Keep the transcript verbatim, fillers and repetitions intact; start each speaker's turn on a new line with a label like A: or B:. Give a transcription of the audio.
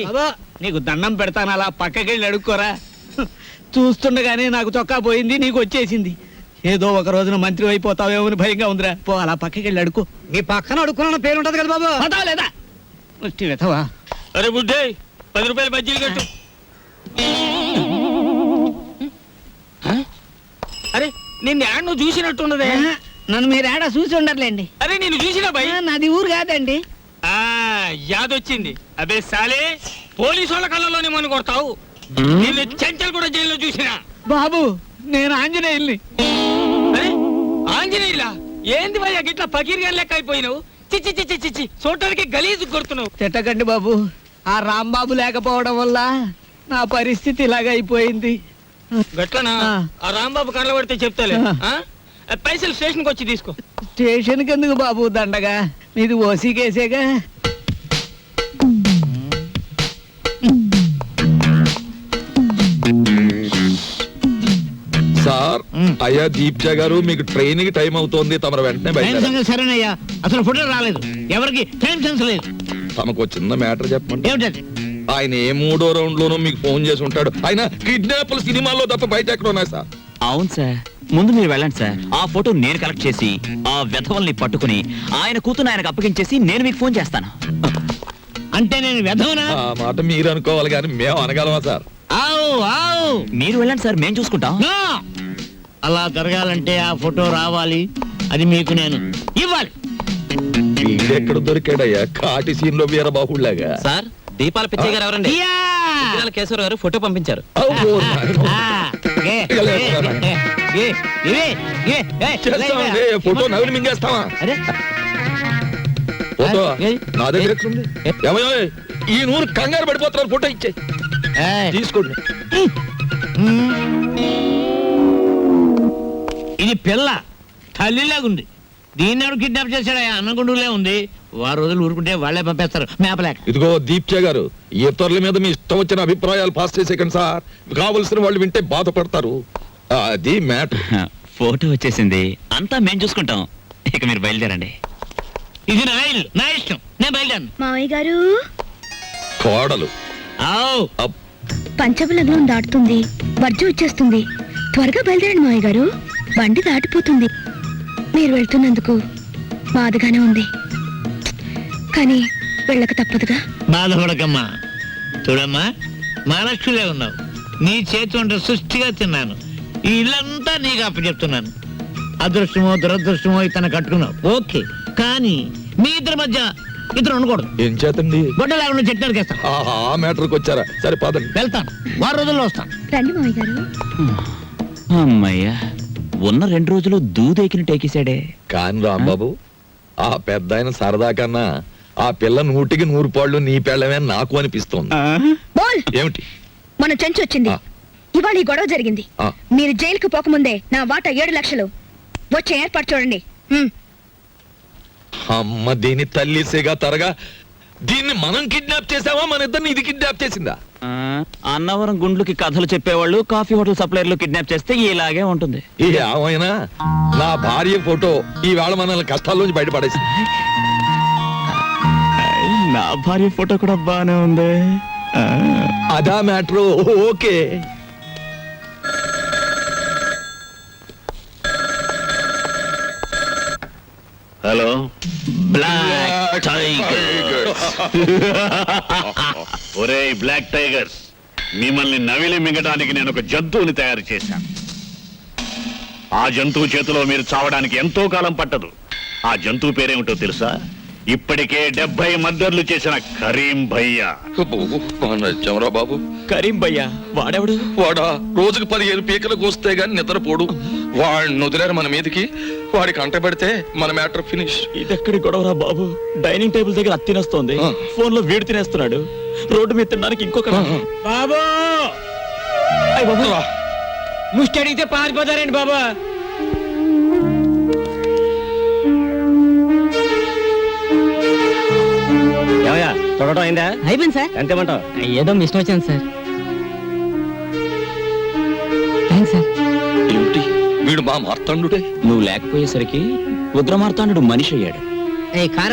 A: నీకు దండం పెడతాను, అలా పక్కకెళ్ళి అడుక్కోరా. చూస్తుండగానే నాకు చొక్కా పోయింది, నీకు వచ్చేసింది. ఏదో ఒక రోజున మంత్రి అయిపోతావేమో అని భయంగా ఉందిరా. పో అలా పక్కకెళ్ళి అడుక్కో.
B: నీ పక్కన అడుక్కున్న పేరు ఉంటది కదా బాబు.
A: పదావు లేదా వెతవా?
C: అరే బుడ్డే, పది రూపాయలు బజ్జీలు కట్టు. అరే నిన్ను యాడ్ నువ్వు చూసినట్టున్నదే.
A: నన్ను మీరు ఏడా చూసి ఉండర్లేండి.
C: అరే నేను చూసినా భయ్.
A: నాది ఊరు కాదండి.
C: ఆ యాదొచ్చింది. అదే సాలే, పోలీసు వాళ్ళ కళ్ళలోనే మన కొడతావు. నిన్ను చెంచల్ కూడా జైల్లో చూసినా.
A: బాబు నేను ఆంజనేయుల్ని.
C: అరే ఆంజనేయులా? ఏంది భయ్యా గిట్లా పకీర్గా లెక్క అయిపోయినావు? చిచ్చి చిచ్చి చిచ్చి చూడటానికి గలీజు కొడుతున్నావు.
A: తిట్టకండి బాబు, ఆ రాంబాబు లేకపోవడం వల్ల నా పరిస్థితి ఇలాగ అయిపోయింది.
C: గట్లనా? ఆ రాంబాబు కళ్ళ పడితే చెప్తాలే. పైసలు స్టేషన్కి వచ్చి తీసుకో.
A: స్టేషన్కి ఎందుకు బాబు దండగా? మీది ఓసీ కేసేగా.
D: సార్, అయ్యా దీప్జా గారు, మీకు ట్రైన్ కి టైం అవుతోంది, తమరు వెంటనే బయట.
A: సరేనయ్యా, అసలు ఫోటో రాలేదు, ఎవరికి టైం సెన్స్ లేదు.
D: తమకు చిన్న మ్యాటర్ చెప్పండి.
A: ఏమిటది?
D: ఆయన ఏ మూడో రౌండ్ లోనూ మీకు ఫోన్ చేసి ఉంటాడు. ఆయన కిడ్నాప్ల సినిమాల్లో తప్ప బయట ఎక్కడ ఉన్నాయి సార్?
E: అవును సార్, ముందు మీరు వెళ్ళండి సార్. ఆ ఫోటో నేను కలెక్ట్ చేసి ఆ వెధవల్ని పట్టుకుని ఆయన కూతురు ఆయనకు అప్పగించేసి నేను మీకు ఫోన్ చేస్తాను.
A: అంటే నేను వెధవనా?
D: ఆ మాట మీరు అనుకోవాలి కానీ మేము అనగలమా సార్?
A: ఆవు ఆవు
E: మీరు వెళ్ళండి సార్, మేము చూసుకుంటాం.
A: అలా జరగాలంటే ఆ ఫోటో రావాలి, అది మీకు నేను ఇవ్వాలి.
D: వీడెక్కడ దొరికాడయ్యా కాటి సీన్ లో వీరబాహుళ్లాగా?
E: సార్, దీపాల పిచ్చయ్య గారు ఎవరండి? కేశవర గారు ఫోటో పంపించారు.
D: ఫోటో నవ్వులు మింగేస్తావా? ఫోటో నా దగ్గర ఎక్కడుంది? ఏమయ్యో, ఈ నూరు కంగారు పడిపోతున్నారు, ఫోటో ఇచ్చే తీసుకోండి.
A: ఇది పిల్ల తల్లిలాగుంది, దీన్ని ఎవరు కిడ్నాప్ చేశాడా? అన్నగుండులే ఉంది. వారు రోజులు ఊరుకుంటే వాళ్లే పంపేస్తారు మేపలేక.
D: ఇదిగో దీప్చే గారు, ఇతరుల మీద మీ ఇష్టం వచ్చిన అభిప్రాయాలు పాస్ చేసేకండి సార్. కావలసిన వాళ్ళు వింటే బాధపడతారు. అది మ్యాటర్.
E: ఫోటో వచ్చేసింది, అంతా మేము చూసుకుంటాం. ఇక మీరు బయలుదేరండి.
A: ఇది నా ఇల్లు, నా ఇష్టం, నేను బయలుదేరను.
F: మావయ్య గారు,
D: కోడలు
F: పంచబలగ్నం దాటుతుంది, వర్జం వచ్చేస్తుంది. త్వరగా బయలుదేరండి మావయ్య గారు, బండి దాటిపోతుంది. మీరు వెళ్తున్నందుకు బాధగానే ఉంది, కానీ వెళ్ళక తప్పదుగా.
A: బాధపడకమ్మా. చూడమ్మా, మహాలక్ష్మిలే ఉన్నావు. నీ చేతి వంట సృష్టిగా తిన్నాను. ఈ ఇల్లంతా నీకు అప్పచెప్తున్నాను. అదృష్టమో దురదృష్టమో ఇతను కట్టుకున్నావు, ఓకే. కానీ మీ ఇద్దరి మధ్య ఇద్దరు ఉండకూడదు.
D: ఏం చేతండి?
A: గొడ్డ లేకుండా చెట్టు నరికేస్తాను.
D: ఆ మ్యాటర్కి వచ్చారా? సరే పదండి.
A: వెళ్తాను, వారం రోజుల్లో వస్తాను.
F: రండి మావయ్య గారు.
E: అమ్మయ్యా, ఉన్న రెండు రోజులు దూదేకిని టేకేశాడే.
D: కాని రాంబాబు, ఆ పెద్ద ఆయన సరదా కన్నా ఆ పిల్ల నూటికి నూరు పాళ్ళు నీ పెళ్ళమే నాకు అనిపిస్తోంది. ఏమిటి?
F: మన చెంచు వచ్చింది, ఇవాళ ఈ గొడవ జరిగింది. మీరు జైలుకు పోకముందే నా వాటా ఏడు లక్షలు వచ్చే ఏర్పాటు చూడండి.
D: అమ్మ దీని తల్లిసేగా తరగా, దీన్ని మనం కిడ్నాప్ చేసావా, మన ఇద్దరిని ఇది కిడ్నాప్ చేసిందా?
E: అన్నవరం గుండ్లకి కథలు చెప్పేవాళ్ళు కాఫీ హోటల్ సప్లైర్లు కిడ్నాప్ చేస్తే ఇలాగే ఉంటుంది.
D: ఏమైనా నా భార్య ఫోటో ఈ వేళ మనల్ని కష్టాల్లోంచి బయటపడేసింది.
E: నా భార్య ఫోటో కూడా బానే ఉంది.
D: అదా matter, okay.
E: Hello black tigers.
G: ఒరేయ్ బ్లాక్ టైగర్స్, మిమ్మల్ని నవిలి మింగడానికి నేను ఒక జంతువుని తయారు చేశాను. ఆ జంతువు చేతిలో మీరు చావడానికి ఎంతో కాలం పట్టదు. ఆ జంతువు పేరేమిటో తెలుసా? ఇప్పటికే డెబ్బై మర్డర్లు చేసిన కరీం భయ్యా.
D: బాబు,
E: కరీం భయ్యా వాడెవడు?
D: వాడా రోజుకు పదిహేను పీకలకు వస్తే గాని నిద్రపోడు. వాడిని వదిలేరు మన మీదకి. వాడికి అంట పెడితే మన మ్యాటర్ ఫినిష్.
E: ఇదెక్కడి గొడవరా బాబు? డైనింగ్ టేబుల్ దగ్గర అత్తి తినేస్తోంది, ఫోన్ లో వీడు తినేస్తున్నాడు, రోడ్డు మీద తినడానికి ఇంకొక.
A: బాబు ముష్టి అడిగితే పారిపోతారండి బాబా.
B: చూడటం అయిందా?
A: అయిపోయింది సార్.
B: ఎంతేమంటావు?
A: ఏదో మిస్ వచ్చింది సార్. Thanks sir.
D: ఏమిటి వీడు మా మార్తాండుడే?
E: నువ్వు లేకపోయేసరికి ఉగ్ర మార్తాండు మనిషి అయ్యాడు.